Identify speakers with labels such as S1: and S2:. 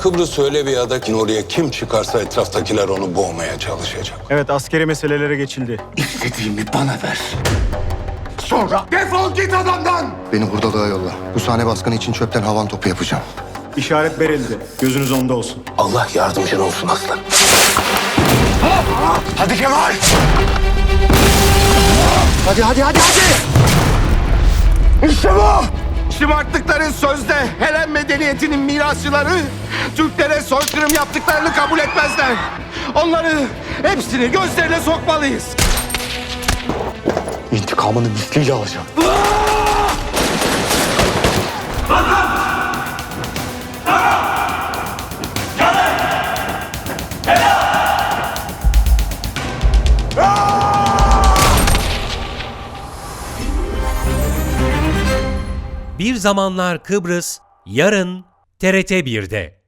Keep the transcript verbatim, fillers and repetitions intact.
S1: Kıbrıs öyle bir ada ki oraya kim çıkarsa etraftakiler onu boğmaya çalışacak.
S2: Evet, askeri meselelere geçildi.
S3: İstediğimi bana ver. Sonra defol git adamdan!
S4: Beni hurdalığa yolla. Bu sahne baskını için çöpten havan topu yapacağım.
S2: İşaret verildi. Gözünüz onda olsun.
S1: Allah yardımcın olsun aslan.
S3: Hadi Kemal!
S4: Hadi hadi hadi hadi!
S3: İşte bu! Şımarttıkları sözde Helen medeniyetinin mirasçıları Türklere soykırım yaptıklarını kabul etmezler. Onları hepsini gözlerine sokmalıyız.
S4: İntikamını misliyle alacağım.
S5: Bir Zamanlar Kıbrıs, yarın T R T bir'de.